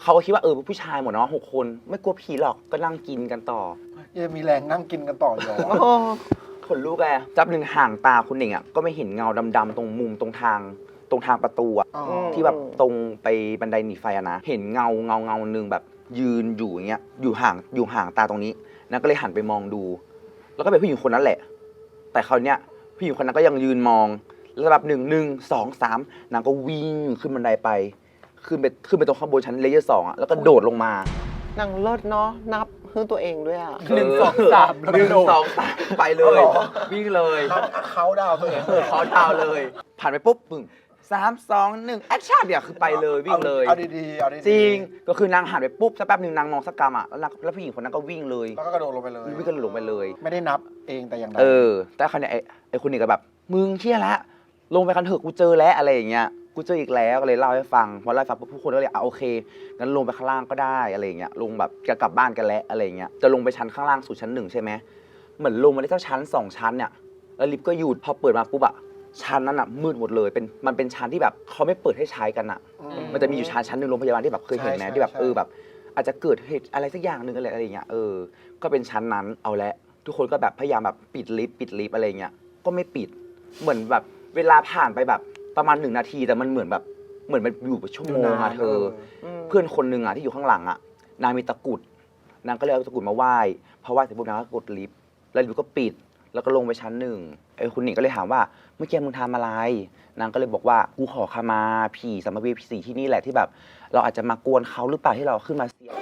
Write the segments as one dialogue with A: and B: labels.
A: เขาก็คิดว่าผู้ชายหมดเนาะ6 คนไม่กลัวผีหรอกก็นั่งกินกันต่อ
B: ยังมีแรงนั่งกินกันต่ออยู่
A: ขนลุกจับหนึ่งห่างตาคุณหนิงก็ไม่เห็นเงาดำๆตรงมุมตรงทางประตูที่แบบตรงไปบันไดหนีไฟนะเห็นเงาหนึ่งแบบยืนอยู่อย่างเงี้ยอยู่ห่างตาตรงนี้นางก็เลยหันไปมองดูแล้วก็เป็นผู้หญิงคนนั้นแหละแต่คราวเนี้ยผู้หญิงคนนั้นก็ยังยืนมองแล้วแบบ1 2 3นางก็วิ่งขึ้นบันไดไปขึ้นไปตรงข้างบนชั้นเลเยอร์2แล้วก็โดดลงมาน
C: างเลิศเนาะนับเพื่อตัวเองด้วย
B: 1 2 3
A: 1 2 3ไปเลยวิ่งเลย
B: เขาดาวตัวเอง
A: เขาดาวเลยผ่านไปปุ๊บปึ้ง3 2 1แอคชั่นเนี่ยคือไปเลยวิ่งเลย
B: เอาดีๆ
A: จริงก็คือนางหันไปปุ๊บสักแป๊บนึงนางมองสักกรรมแล้วผู้หญิงคนนั้นก็วิ่งเลย
B: แล้วก็กระโดดลงไปเลย
A: วิ่งกระโดดลงไปเลย
B: ไม่ได้นับเองแต่อย่างใด
A: แต่คราวนี้ไอ้คนนี้ก็แบบมึงเชี่ยละลงไปกันเถอะกูเจอแล้วอะไรอย่างเงี้ยกูเจออีกแล้วก็เลยเล่าให้ฟังพอเล่าให้ฟังผู้คนก็เลยโอเคงั้นลงไปข้างล่างก็ได้อะไรอย่างเงี้ยลงแบบจะกลับบ้านกันแล้วอะไรอย่างเงี้ยจะลงไปชั้นข้างล่างสู่ชั้น1ใช่ไหมเหมือนลงมาได้สักชั้น2ชั้นเนี่ยแล้วลิฟต์ก็หยุดพอเปิดมาปุ๊บชั้นนั้นมืดหมดเลยมันเป็นชั้นที่แบบเขาไม่เปิดให้ใช้กันมันจะมีอยู่ชั้นหนึ่งโรงพยาบาลที่แบบเคยเห็นไหมที่แบบแบบอาจจะเกิดเหตุอะไรสักอย่างหนึ่งอะไรอย่างเงี้ยก็เป็นชั้นนั้นเอาละทุกคนก็แบบพยายามแบบปิดลิฟต์อะไรเงี้ยก็ไม่ปิดเหมือนแบบเวลาผ่านไปแบบประมาณ1 นาทีแต่มันเหมือนมันอยู่เป็นชั่วโมงเธอเพื่อนคนนึงที่อยู่ข้างหลังนางมีตะกุดนางก็เลยเอาตะกุดมาไหว้พอไหว้เสร็จปุ๊บนางก็กดลิฟต์แล้วลิฟต์ก็ปิดแล้วก็ลงไปชั้น1คุณหนิงก็เลยถามว่าเมื่อกี้มึงทำอะไรนางก็เลยบอกว่ากูขอขมาผีสัมภเวสีที่นี่แหละที่แบบเราอาจจะมากวนเขาหรือเปล่าที่เราขึ้นมาเสีย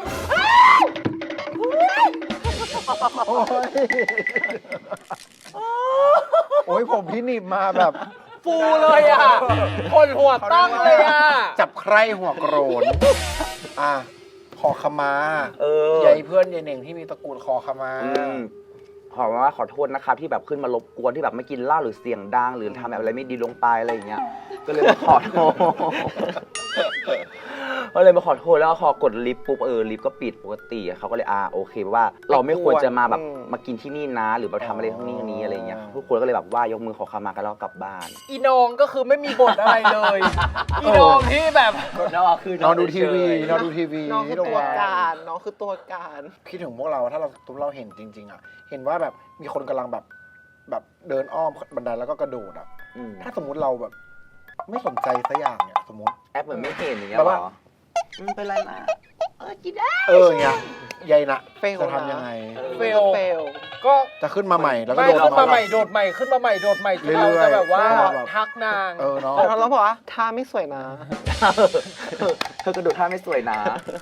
B: โอ้ยผมพี่หนิบมาแบบ
C: ฟูเลยคนหัวตั้งเลย
B: จับใครหัวโกรนขอขมายายเพื่อนยายเหน่งที่มีตระกูลขอขมา
A: ขอโทษนะครับที่แบบขึ้นมารบกวนที่แบบไม่กินเหล้าหรือเสียงดังหรือทำแบบอะไรไม่ดีลงไปอะไรอย่างเงี้ยก็เลยมาขอโทษแล้วพอกดลิฟต์ปุ๊บลิฟต์ก็ปิดปกติเขาก็เลยโอเคว่าเราไม่ควรจะมาแบบมากินที่นี่นะหรือมาทำอะไรที่นี่อะไรอย่างเงี้ยทุกคนก็เลยแบบว่ายกมือขอขมากันแล้วกลับบ้าน
C: อีน้องก็คือไม่มีบทอะไรเลยอีน้องที่แบบ
A: น้อง
B: ดูทีวีน้อง
C: คือตัวการ
B: คิดถึงพวกเราถ้าเราเห็นจริงๆเห็นว่าแบบมีคนกำลังแบบเดินอ้อมบันไดแล้วก็กระโดดถ้าสมมุติเราแบบไม่สนใจสักอย่างเนี่ยสมมติ
A: แอปเหมือนไม่เห็นอย่างเงี้ยหรอเป็นไรมากินได้
B: เงี้ยยายนะจะทำยังไง
C: เฟลก็
B: จะขึ้นมาใหม่แล้วก็
C: ขึ้นมาใหม่โดดใหม่ขึ้นมาใหม่โดดใหม่เราจะแบบว่าทักนาง
B: เนาะ
C: แล้วบอกว่าท่าไม่สวยนะ
A: เธอกระโดดท่าไม่สวยนะ